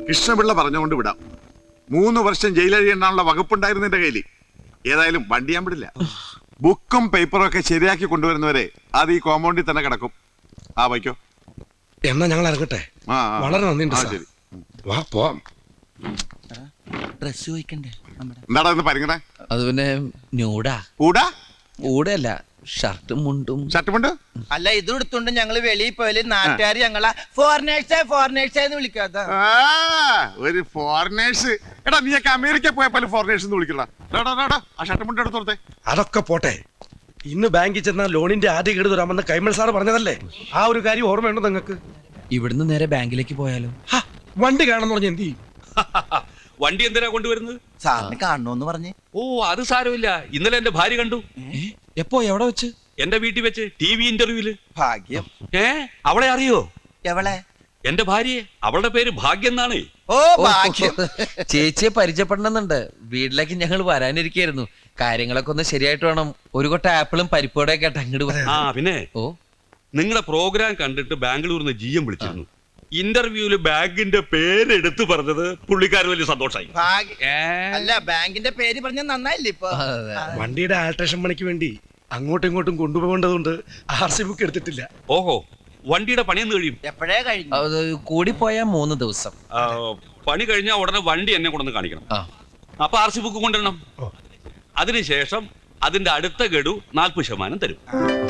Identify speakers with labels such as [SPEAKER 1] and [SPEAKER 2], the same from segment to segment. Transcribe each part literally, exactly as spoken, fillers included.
[SPEAKER 1] കൃഷ്ണപിള്ള പറഞ്ഞുകൊണ്ട് വിടാം. മൂന്ന് വർഷം ജയിലഴിയെണ്ണാനുള്ള വകുപ്പുണ്ടായിരുന്നു എന്റെ കയ്യിൽ. ഏതായാലും വണ്ടി ഞാൻ വിടില്ല. ബുക്കും പേപ്പറും ഒക്കെ ശരിയാക്കി കൊണ്ടുവരുന്നവരെ അത് ഈ കോമ്പൗണ്ടിൽ തന്നെ കിടക്കും. ആ വയ്ക്കോ.
[SPEAKER 2] എന്നാ ഞങ്ങൾ ഇറങ്ങട്ടെ. വളരെ നന്ദിയുണ്ട്.
[SPEAKER 1] ശരി,
[SPEAKER 2] വാ പോവാം.
[SPEAKER 3] ഡ്രസ് ചോദിക്കണ്ടേ?
[SPEAKER 1] എന്താടാ ഇന്ന് പരിങ്ങണേ?
[SPEAKER 3] അത് പിന്നെ ന്യൂഡാ.
[SPEAKER 1] കൂടാ
[SPEAKER 3] കൂടല്ല, ഷർട്ടും മുണ്ടും.
[SPEAKER 1] ഷർട്ട് മുണ്ട്
[SPEAKER 4] അല്ല, ഇത് എടുത്തോണ്ട് ഞങ്ങള് വെളിയിൽ പോയാല് നാട്ടുകാർ ഞങ്ങളെ ഫോറിനേഴ്സേ ഫോറിനേഴ്സേ എന്ന് വിളിക്കാത്ത
[SPEAKER 1] ഒരു ഫോറിനേഴ്സ്. എടാ നീയൊക്കെ അമേരിക്ക പോയപ്പോൾ ഫോറിനേഴ്സ് എന്ന് വിളിക്കടാ. ആ ഷർട്ട് മുണ്ട് എടുത്തോളത്തെ.
[SPEAKER 2] അതൊക്കെ പോട്ടെ. ഇന്ന് ബാങ്കിൽ ചെന്ന ലോണിന്റെ ആദ്യ കേട് തരാമെന്ന് കൈമൾ സാർ പറഞ്ഞതല്ലേ? ആ ഒരു കാര്യം ഓർമ്മയുണ്ടോ നിങ്ങൾക്ക്?
[SPEAKER 3] ഇവിടുന്ന് നേരെ ബാങ്കിലേക്ക് പോയാലോ?
[SPEAKER 2] വണ്ടി കാണുന്ന പറഞ്ഞ എന്ത് ചെയ്യും?
[SPEAKER 5] വണ്ടി എന്തിനാ കൊണ്ടുവരുന്നത്?
[SPEAKER 4] സാറിന് കാണണോന്ന് പറഞ്ഞ്.
[SPEAKER 5] ഓ അത് സാരമില്ല. ഇന്നലെ എന്റെ ഭാര്യ കണ്ടു.
[SPEAKER 3] എപ്പോ, എവിടെ വെച്ച്?
[SPEAKER 5] എന്റെ വീട്ടിൽ വെച്ച്, ടി വി ഇന്റർവ്യൂല്.
[SPEAKER 4] ഭാഗ്യം.
[SPEAKER 5] ഏ അവളെ അറിയോ?
[SPEAKER 4] എവളെ?
[SPEAKER 5] എന്റെ ഭാര്യയെ. അവളുടെ പേര് ഭാഗ്യം എന്നാണ്.
[SPEAKER 4] ഓ ഭാഗ്യം.
[SPEAKER 3] ചേച്ചിയെ പരിചയപ്പെടണമെന്നുണ്ട്. വീട്ടിലേക്ക് ഞങ്ങൾ വരാനിരിക്കായിരുന്നു. കാര്യങ്ങളൊക്കെ ഒന്ന് ശരിയായിട്ട് വേണം. ഒരു കൊട്ട ആപ്പിളും പരിപ്പോടെ ഒക്കെ ആയിട്ട് അങ്ങോട്ട്.
[SPEAKER 5] ആ പിന്നെ
[SPEAKER 3] ഓ
[SPEAKER 5] നിങ്ങളുടെ പ്രോഗ്രാം കണ്ടിട്ട് ബാംഗ്ലൂരിൽ നിന്ന് ജി എം വിളിച്ചിരുന്നു. ഇന്റർവ്യൂല് ബാങ്കിന്റെ പേരെടുത്ത് പറഞ്ഞത് പുള്ളിക്കാർ വലിയ സന്തോഷമായി.
[SPEAKER 4] അല്ല, ബാങ്കിന്റെ പേര് പറഞ്ഞ നന്നായില്ലേ ഇപ്പൊ?
[SPEAKER 2] വണ്ടിയുടെ ആൾട്രേഷൻ പണിക്ക് വേണ്ടി അങ്ങോട്ടും ഇങ്ങോട്ടും കൊണ്ടുപോകേണ്ടതുകൊണ്ട് ആർ സി ബുക്ക് എടുത്തിട്ടില്ല.
[SPEAKER 5] ഓഹോ, വണ്ടിയുടെ പണിയെന്ന് കഴിയും?
[SPEAKER 4] എപ്പോഴേ കഴിഞ്ഞു?
[SPEAKER 3] കൂടി പോയാ മൂന്ന് ദിവസം.
[SPEAKER 5] പണി കഴിഞ്ഞാൽ ഉടനെ വണ്ടി എന്നെ കൊണ്ടൊന്ന് കാണിക്കണം. അപ്പൊ ആർ സി ബുക്ക് കൊണ്ടുവരണം. അതിനുശേഷം അതിന്റെ അടുത്ത ഗഡു നാൽപ്പത് ശതമാനം തരും.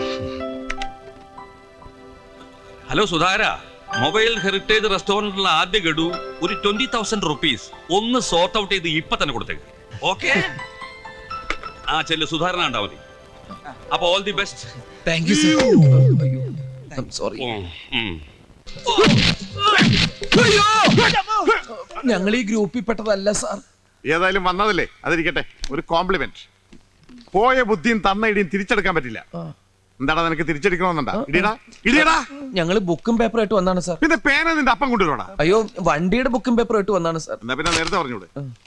[SPEAKER 5] ഹലോ സുധാര, മൊബൈൽ ഹെറിറ്റേജ് റെസ്റ്റോറന്റിലുള്ള ആദ്യ ഗഡു ഒരു ട്വന്റി തൗസൻഡ് റുപ്പീസ് ഒന്ന് സോർട്ട് ഔട്ട് ചെയ്ത് ഇപ്പൊ തന്നെ കൊടുത്തേക്ക്. ഓക്കെ? ആ ചെല്ലു, സുധാരണ ഉണ്ടാ മതി. അപ്പൊ all the best.
[SPEAKER 3] Thank you sir. Sorry. ഞങ്ങൾ ഈ ഗ്രൂപ്പിൽ പെട്ടതല്ല സാർ. ഏതായാലും
[SPEAKER 1] വന്നതല്ലേ, അതിരിക്കട്ടെ. ഒരു കോംപ്ലിമെന്റ്. പോയ ബുദ്ധിയും തന്ന ഇടിയും തിരിച്ചെടുക്കാൻ പറ്റില്ല. എന്താടാ നിനക്ക് തിരിച്ചടിക്കണമെന്നുണ്ടാ? ഇടിയടാ ഇടിയടാ.
[SPEAKER 3] ഞങ്ങള് ബുക്കും പേപ്പറും ആയിട്ട് വന്നാണ് സാർ.
[SPEAKER 1] പിന്നെ പേന നിന്റെ അപ്പം കൊണ്ടുവരോടാ?
[SPEAKER 3] അയ്യോ, വണ്ടിയുടെ ബുക്കും പേപ്പറും ആയിട്ട് വന്നാണ് സാർ.
[SPEAKER 1] എന്നാ പിന്നെ നേരത്തെ പറഞ്ഞൂടെ?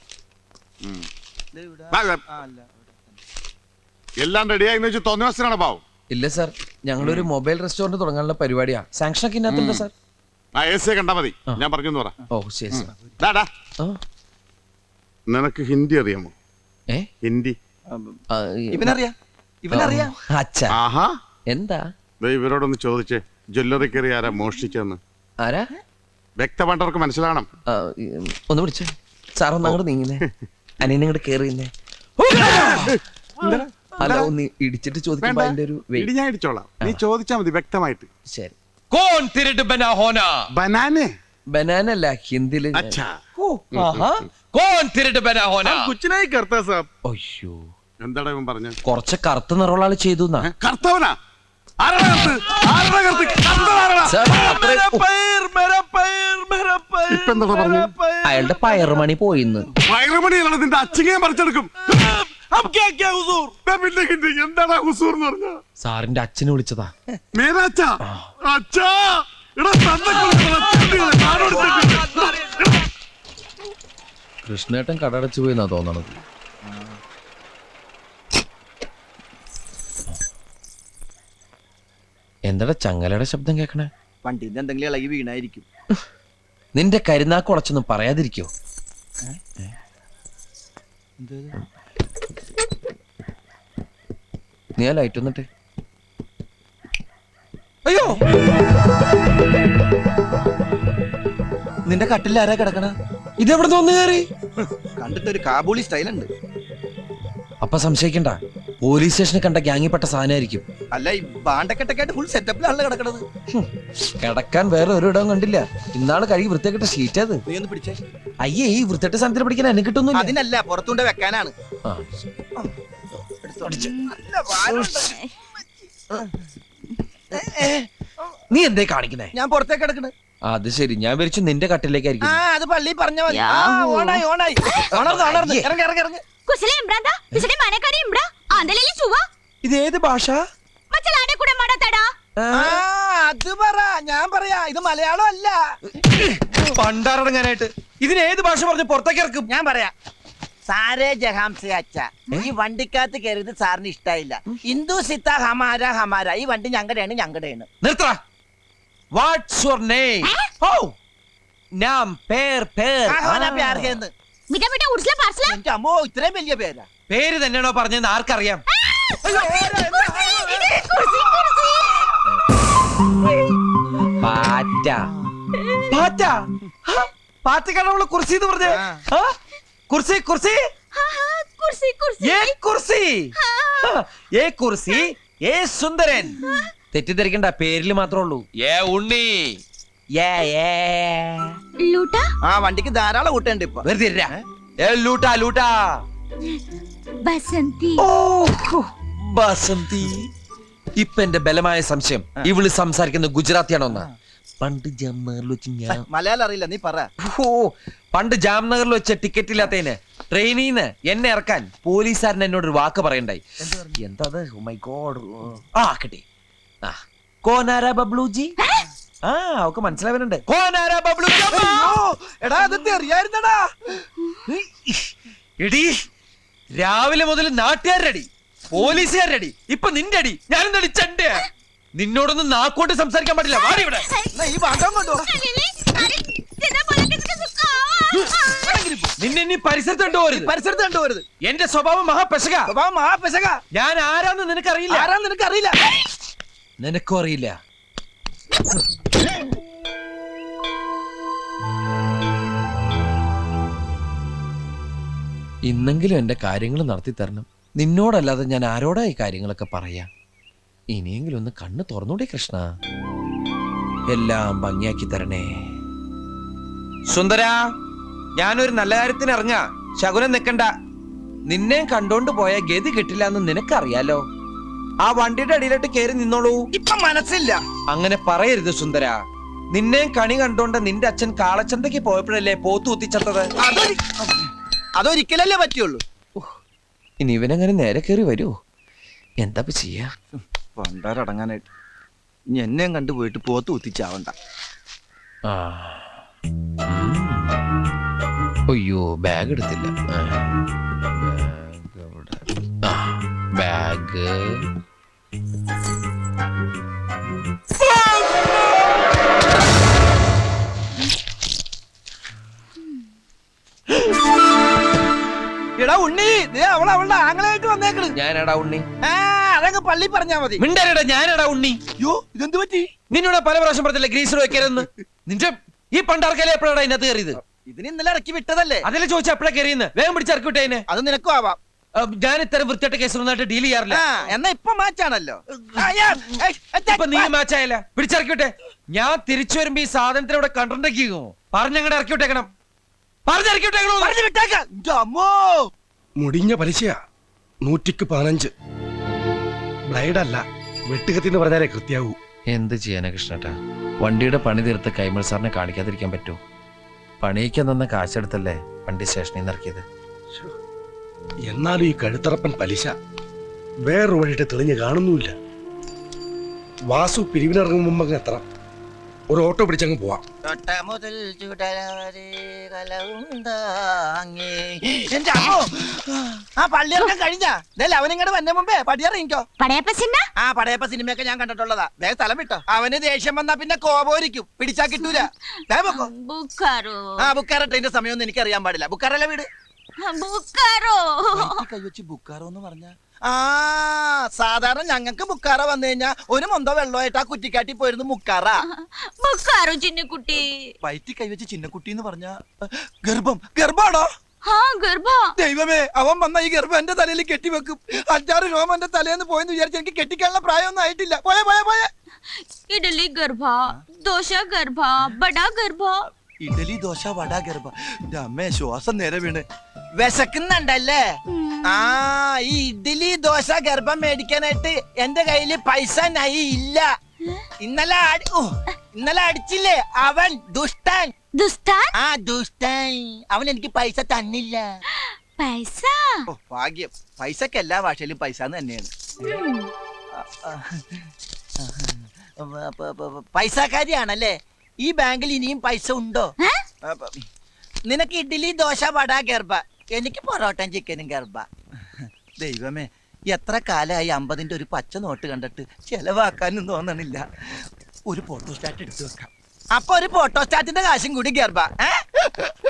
[SPEAKER 1] എല്ലാം റെഡിയായി വെച്ച് തോന്നിവാസനാണ് പാവം.
[SPEAKER 3] ഇല്ല സാർ, ഞങ്ങളൊരു മൊബൈൽ റെസ്റ്റോറന്റ് തുടങ്ങാനുള്ള പരിപാടിയാ. സാങ്ഷൻ ഒക്കെ ഇന്നത്തുണ്ട് സാർ.
[SPEAKER 1] ആ എ സി കണ്ടാ മതി, ഞാൻ പറഞ്ഞു പറ.
[SPEAKER 3] ഓ ശരി സാർ.
[SPEAKER 1] നിനക്ക് ഹിന്ദി അറിയാമോ?
[SPEAKER 3] ഏ
[SPEAKER 1] ഹിന്ദി
[SPEAKER 4] ഇവനറിയാ? ഇവനറിയാ?
[SPEAKER 3] അച്ഛാ.
[SPEAKER 1] ആഹാ.
[SPEAKER 3] എന്താ?
[SPEAKER 1] ഇവരോടൊന്ന് ചോദിച്ചേ, ജ്വല്ലറി കയറി ആരാ മോഷ്ടിച്ചെന്ന്.
[SPEAKER 3] ആരാ?
[SPEAKER 1] വ്യക്തമായിട്ടവർക്ക് മനസ്സിലാവണം.
[SPEAKER 3] ഒന്ന് വിളിച്ചേ സാർ. ഒന്ന് അങ്ങോട്ട് നീങ്ങുന്നേ. അനിയനെ ഇങ്ങോട്ട് കേറിയുന്നേ. അല്ല, ഒന്ന് ഇടിച്ചിട്ട് ചോദിക്കുമ്പോ അതിന്റെ ഒരു
[SPEAKER 1] ഇടി ഞാൻ ഇടിച്ചോളാം. നീ ചോദിച്ചാ മതി വ്യക്തമായിട്ട്.
[SPEAKER 3] ശരി. കോൺ തിരട്ട് ബനാഹോന.
[SPEAKER 1] ബനാനെ?
[SPEAKER 3] ബനാനല്ല, ഹിന്ദിയില്.
[SPEAKER 1] അച്ഛാ.
[SPEAKER 3] കോൺ തിരട്ട് ബനാഹോന.
[SPEAKER 1] കുച്ചിനായി കർത്താ സാബ്.
[SPEAKER 3] അയ്യോ,
[SPEAKER 1] എന്താടാ ഇവൻ പറഞ്ഞ?
[SPEAKER 3] കുറച്ച് കറുത്ത നിറമുള്ള ആള് ചെയ്തു.
[SPEAKER 1] കർത്തവനാ?
[SPEAKER 3] അയാളുടെ പയറുമണി പോയിന്ന്.
[SPEAKER 1] പയറുമണി നിന്റെ അച്ഛനെ പറിച്ചെടുക്കും. എന്താടാ ഹുസൂർ എന്ന് പറഞ്ഞ?
[SPEAKER 3] സാറിന്റെ അച്ഛനെ വിളിച്ചതാ.
[SPEAKER 1] മേരാച്ചാ? അച്ഛാ,
[SPEAKER 3] കൃഷ്ണേട്ടൻ കടടച്ചു പോയിന്നാ തോന്നണത്. എന്താ ചങ്ങലയുടെ ശബ്ദം കേക്കണേ?
[SPEAKER 4] വണ്ടിന്റെ എന്തെങ്കിലും ഇളകി വീണായിരിക്കും.
[SPEAKER 3] നിന്റെ കരുനാക്ക് ഉടച്ചൊന്നും പറയാതിരിക്കോ? നീ ആ ലൈറ്റ് വന്നിട്ട്. അയ്യോ,
[SPEAKER 4] നിന്റെ കട്ടിൽ ആരാ കിടക്കണ?
[SPEAKER 3] ഇതെവിടെ തോന്നു കയറി?
[SPEAKER 4] കണ്ടിട്ടൊരു കാബൂളി സ്റ്റൈലുണ്ട്.
[SPEAKER 3] അപ്പൊ സംശയിക്കണ്ട, പോലീസ് സ്റ്റേഷനിൽ കണ്ട ഗ്യാങ്ങിപ്പെട്ട സാധനമായിരിക്കും.
[SPEAKER 4] അല്ല, ഈ ബാണ്ടക്കെട്ടൊക്കെ ഫുൾ സെറ്റപ്പിലാണല്ലോ കിടക്കണത്.
[SPEAKER 3] കിടക്കാൻ വേറെ ഒരു ഇടവും കണ്ടില്ല. ഇന്നാള് കഴുകി വൃത്തിയാക്കിട്ട ഷീറ്റ് അത്.
[SPEAKER 4] നീ ഒന്ന് പിടിച്ചേ.
[SPEAKER 3] അയ്യേ, ഈ വൃത്തിയായിട്ട് സാധനത്തിൽ പിടിക്കാൻ എന്നെ കിട്ടുന്നു.
[SPEAKER 4] അതിനല്ല, പുറത്തുകൊണ്ട് വെക്കാനാണ്.
[SPEAKER 3] നീ എന്തേ കാണിക്കുന്നേ?
[SPEAKER 4] ഞാൻ പുറത്തേക്ക് കിടക്കണേ.
[SPEAKER 3] അത് ശരി, ഞാൻ വിരിച്ചു നിന്റെ കട്ടിലേക്കായിരിക്കും.
[SPEAKER 4] ആ, അത് പള്ളി പറഞ്ഞ മതി. ഓണായി ഓണായി ഓണർന്ന് ഇറങ്ങി ഇറങ്ങി ഇറങ്ങി.
[SPEAKER 3] ഇത് ഏത് ഭാഷ?
[SPEAKER 4] അത് പറ, ഞാൻ പറയാ. ഇത് മലയാളം അല്ല.
[SPEAKER 3] പണ്ടാറടങ്ങാനായിട്ട് ഇതിന് ഏത് ഭാഷ പറഞ്ഞ് പുറത്തേക്ക് ഇറക്കും?
[SPEAKER 4] ഞാൻ പറയാ. സാരേ ജഹാംസെ അച്ഛ, ഈ വണ്ടിക്കകത്ത് കയറിയത് സാറിന് ഇഷ്ടായില്ല. ഹിന്ദു സിത്ത ഹമാര ഹമാര. ഈ വണ്ടി ഞങ്ങളുടെയാണ് ഞങ്ങളുടെയാണ്.
[SPEAKER 3] നിർത്തടാ. What's your name? ഓ, നാം പേർ പേർ
[SPEAKER 4] ആഹ്വാന
[SPEAKER 3] ആ.
[SPEAKER 4] പ്യാർ ഹേ എന്ന്.
[SPEAKER 6] മിഠാ മിഠാ ഉർസ്ല പാർസ്ല
[SPEAKER 4] എന്റെ അമ്മോ ഇത്രയും വലിയ പേരാ.
[SPEAKER 3] പേര് തന്നെയാണോ പറഞ്ഞതെന്ന് ആർക്കറിയാം? പാറ്റ പാറ്റ പാറ്റക്കാണ് നമ്മള് കുർസി എന്ന് പറഞ്ഞേ. ആ? കുർസി കുർസി
[SPEAKER 6] हाँ हाँ कुर्सी कुर्सी
[SPEAKER 3] ഏ കുർസി ഏ കുർസി ഏ സുന്ദരൻ. തെറ്റിദ്ധരിക്കണ്ട, പേരില് മാത്രമേ ഉള്ളൂ. ഏ ഉണ്ണി ഏ ഏ
[SPEAKER 6] लूटा
[SPEAKER 4] ആ വണ്ടിക്ക് ധാരാളം കൂട്ടുണ്ട് ഇപ്പൊ.
[SPEAKER 3] വെറുതെ ഇരുരാ. ഏ ലൂട്ടാ ലൂട്ടാ.
[SPEAKER 6] बसंती
[SPEAKER 3] ഓ ഹോ, ബസന്തി. ഇപ്പൊ എന്റെ ബലമായ സംശയം ഇവള് സംസാരിക്കുന്ന ഗുജറാത്തിയാണോന്നാ. പണ്ട് ജാംനഗറിൽ വെച്ച് ഞാൻ
[SPEAKER 4] മലയാളം അറിയില്ല, നീ പറ.
[SPEAKER 3] ഓ പണ്ട് ജാംനഗറിൽ വെച്ച ടിക്കറ്റ് ഇല്ലാത്തതിന് ട്രെയിനിന്ന് എന്നെ ഇറക്കാൻ പോലീസുകാരൻ എന്നോട് ഒരു വാക്ക് പറയണ്ടായി. എന്താ മൈ ഗോഡ്. ആ കിട്ടി. ആ കോനാര ബബ്ലുജി. ആ അവക്ക് മനസ്സിലാവുന്നുണ്ട്. കോനാര ബബ്ലുജി.
[SPEAKER 4] എടാ അതൊക്കെ അറിയായിരുന്നടാ.
[SPEAKER 3] എടി രാവിലെ മുതൽ നാട്ടുകാരടി പോലീസുകാരടി ഇപ്പൊ നിന്റെ അടി. ഞാനെന്താ ചണ്ട നിന്നോടൊന്നും നാക്കോട്ട് സംസാരിക്കാൻ പാടില്ല. വാടി ഇവിടെ.
[SPEAKER 4] എന്നാ ഈ ഭാഗം കൊണ്ടോ.
[SPEAKER 6] अरे तेरा बोला कि इसका
[SPEAKER 3] നിന്നെ ഇനി പരിസരത്ത് കണ്ടുപോരുത്.
[SPEAKER 4] പരിസരത്ത് കണ്ടുപോരുത്.
[SPEAKER 3] എന്റെ സ്വഭാവം മഹാപെശക.
[SPEAKER 4] സ്വഭാവം മഹാപെശക.
[SPEAKER 3] ഞാൻ ആരാന്ന് നിനക്കറിയില്ല.
[SPEAKER 4] ആരാന്ന് നിനക്ക് അറിയില്ല.
[SPEAKER 3] നിനക്കും അറിയില്ല. ഇന്നെങ്കിലും എന്റെ കാര്യങ്ങൾ നടത്തി തരണം. നിന്നോടല്ലാതെ ഞാൻ ആരോടാ ഈ കാര്യങ്ങളൊക്കെ പറയാ? ഇനിയെങ്കിലും ഒന്ന് കണ്ണ് തുറന്നൂടെ കൃഷ്ണ. എല്ലാം ഭംഗിയാക്കി തരണേ. സുന്ദര, ഞാനൊരു നല്ല കാര്യത്തിന് ഇറങ്ങാ. ശകുനം നിക്കണ്ട. നിന്നെ കണ്ടോണ്ട് പോയ ഗതി കിട്ടില്ല എന്ന് നിനക്കറിയാലോ. ആ വണ്ടിയുടെ അടിയിലോട്ട് കയറി നിന്നോളൂ.
[SPEAKER 4] ഇപ്പൊ മനസ്സില്ല.
[SPEAKER 3] അങ്ങനെ പറയരുത് സുന്ദര. നിന്നെ കണി കണ്ടോണ്ട് നിന്റെ അച്ഛൻ കാളച്ചന്തയ്ക്ക് പോയപ്പോഴല്ലേ പോത്തു കുത്തിച്ചത്തത്.
[SPEAKER 4] അതൊരി അതൊരിക്കലല്ലേ പറ്റുള്ളൂ.
[SPEAKER 3] ഇനി ഇവനങ്ങനെ നേരെ കയറി വരൂ. എന്താ ചെയ്യാ?
[SPEAKER 4] പണ്ടാരടങ്ങാനായിട്ട് ഇനി എന്നെയും കണ്ടുപോയിട്ട് പോത്ത് കുത്തിച്ചാവണ്ട.
[SPEAKER 3] ആ. ഉം. അയ്യോ ബാഗ് എടുത്തില്ല. ആ. ബാഗ് എവിടെ? ആ, ബാഗ്
[SPEAKER 4] എടാ ഉണ്ണി, ദേ അവൾ അവളുടെ ആങ്ങളായിട്ട് വന്നേക്കണ്.
[SPEAKER 3] ഞാനടാ ഉണ്ണി.
[SPEAKER 4] ആ അതങ്ങ് പള്ളി പറഞ്ഞാ മതി.
[SPEAKER 3] മിണ്ടരടാ, ഞാനടാ ഉണ്ണി.
[SPEAKER 4] അയ്യോ ഇതെന്ത് പറ്റി?
[SPEAKER 3] നിന്നോട് പല പ്രാവശ്യം പറഞ്ഞില്ല ഗ്രീസർ വെക്കരുതെന്ന്. നിന്റെ ഈ പണ്ടാർക്കല്ലേ എപ്പോഴാണ് ഇതിനകത്ത് കയറിയത്?
[SPEAKER 4] ഇതിന് ഇന്നലെ ഇറക്കി വിട്ടതല്ലേ.
[SPEAKER 3] അതിലെ ചോദിച്ച എപ്പോഴാ കയറിയെന്ന്. വേഗം പിടിച്ചിറക്കി വിട്ടേനെ.
[SPEAKER 4] അത് നിനക്കും ആവാം.
[SPEAKER 3] ഞാൻ ഇത്തരം വൃത്തിയായിട്ട് കേസൊന്നായിട്ട് ഡീൽ ചെയ്യാറില്ല.
[SPEAKER 4] ആ എന്നാ ഇപ്പൊ മാച്ചാണല്ലോ. ആ, യാ, ഏയ്, ഏയ്,
[SPEAKER 3] ഇപ്പൊ നീ മാച്ചായല്ല. പിടിച്ചിറക്കി വിട്ടെ. ഞാൻ തിരിച്ചു വരുമ്പോ ഈ സാധനത്തിന് ഇവിടെ കണ്ടിട്ടുണ്ടോ? പറഞ്ഞങ്ങടെ ഇറക്കി വിട്ടേക്കണം. പറഞ്ഞിറക്കി വിട്ടേക്കണോ?
[SPEAKER 4] പറഞ്ഞു വിട്ടേക്കാം. ഇന്റെ അമ്മോ.
[SPEAKER 2] മുടിഞ്ഞ പലിശയാ. നൂറ്റിക്ക് പതിനഞ്ച്. ബ്ലൈഡല്ല, വെട്ടുകത്തി എന്ന് പറഞ്ഞാലേ കൃത്യാവൂ.
[SPEAKER 3] എന്ത് ചെയ്യാനാ കൃഷ്ണേട്ടാ? വണ്ടിയുടെ പണി തീർത്ത് കൈമൾ സാറിനെ കാണിക്കാതിരിക്കാൻ പറ്റൂ? പണിയിക്കാൻ തന്ന കാശെടുത്തല്ലേ വണ്ടി സ്റ്റേഷനിൽ നിന്ന് ഇറക്കിയത്.
[SPEAKER 2] എന്നാലും ഈ കഴുത്തറപ്പൻ പലിശ വേറൊരു വഴിയിട്ട് തെളിഞ്ഞ് കാണുന്നുമില്ല. വാസു പിരിവിനിറങ്ങും മുമ്പ് അങ്ങ് എത്തണം. ഒരു ഓട്ടോ പിടിച്ചങ്ങ് പോവാം.
[SPEAKER 4] തൊട്ട മുതൽ ചുടലവരെ കലവുണ്ടാങ്ങി. എന്റെ അമ്മോ. ആ പള്ളിയിറക്കം കഴിഞ്ഞാ അവനിങ്ങോട്ട് വന്ന മുമ്പേ പടിയിറങ്ങിക്കോ.
[SPEAKER 6] പടയപ്പ സിന്ന
[SPEAKER 4] ആ പടയപ്പ സിനിമയൊക്കെ ഞാൻ കണ്ടിട്ടുള്ളതാ. വേഗം സ്ഥലം വിട്ടോ. അവന് ദേഷ്യം വന്നാ പിന്നെ കോപോരിക്കും. പിടിച്ചാ കിട്ടൂല. വേഗം പൊക്കോ.
[SPEAKER 6] ബുക്കാറോ
[SPEAKER 4] ആ ബുക്കാറ ട്രെയിന്റെ സമയമൊന്നും എനിക്ക് അറിയാൻ പാടില്ല. ബുക്കാറല്ല വീട്.
[SPEAKER 6] ബുക്കാറോ
[SPEAKER 4] കൈവച്ച് ബുക്കാറോ എന്ന് പറഞ്ഞ ആ സാധാരണ ഞങ്ങൾക്ക് ബുക്കാറ വന്നു കഴിഞ്ഞാ ഒരു മൊന്തോ വെള്ളമായിട്ട് ആ കുറ്റിക്കാട്ടി പോയിരുന്നു മുക്കാറ.
[SPEAKER 6] ബുക്കാറോ ചിന്നക്കുട്ടി.
[SPEAKER 4] വയറ്റി കൈവച്ച് ചിന്നക്കുട്ടി എന്ന് പറഞ്ഞ ഗർഭം. ഗർഭാണോ?
[SPEAKER 6] ഹാ ഗർഭ.
[SPEAKER 4] ദൈവമേ, അവൻ വന്ന ഈ ഗർഭം എന്റെ തലയിൽ കെട്ടിവെക്കും. അഞ്ചാറ് രോമം എന്റെ തലേന്ന് പോയെന്ന് വിചാരിച്ച് എനിക്ക് കെട്ടിക്കാനുള്ള പ്രായമൊന്നും ആയിട്ടില്ല. പോയെ പോയെ പോയെ.
[SPEAKER 6] ഇഡലി ഗർഭ, ദോശ ഗർഭ, ബടാ ഗർഭ.
[SPEAKER 4] ഇഡലി ദോശ വട ഗർഭ. അമ്മേ ശ്വാസം നേരെ വീണ്. വിശക്കുന്നുണ്ടല്ലേ? ആ ഈ ഇഡ്ഡലി ദോശ ഗർഭം മേടിക്കാനായിട്ട് എന്റെ കയ്യില് പൈസ നൈ ഇല്ല. ഇന്നലെ അടി- ഓ, ഇന്നലെ അടിച്ചില്ലേ അവൻ ദുഷ്ടൻ.
[SPEAKER 6] ദുസ്താൻ
[SPEAKER 4] ആ ദുഷ്ടൻ അവൻ എനിക്ക് പൈസ തന്നില്ല.
[SPEAKER 6] പൈസ.
[SPEAKER 4] ഓ ഭാഗ്യം. പൈസക്ക് എല്ലാ ഭാഷയിലും പൈസ തന്നെയാണ്. പൈസക്കാരിയാണല്ലേ? ഈ ബാങ്കിൽ ഇനിയും പൈസ ഉണ്ടോ? അപ്പൊ നിനക്ക് ഇഡ്ഡലി ദോശ വട ഗർഭ, എനിക്ക് പൊറോട്ടയും ചിക്കനും ഗർഭ. ദൈവമേ, എത്ര കാലമായി അമ്പതിന്റെ ഒരു പച്ച നോട്ട് കണ്ടിട്ട് ചെലവാക്കാനും തോന്നണില്ല. ഒരു ഫോട്ടോ സ്റ്റാറ്റ് എടുത്തു വെക്കാം. അപ്പൊ ഒരു ഫോട്ടോസ്റ്റാറ്റിന്റെ കാശും കൂടി ഗർഭ ഏ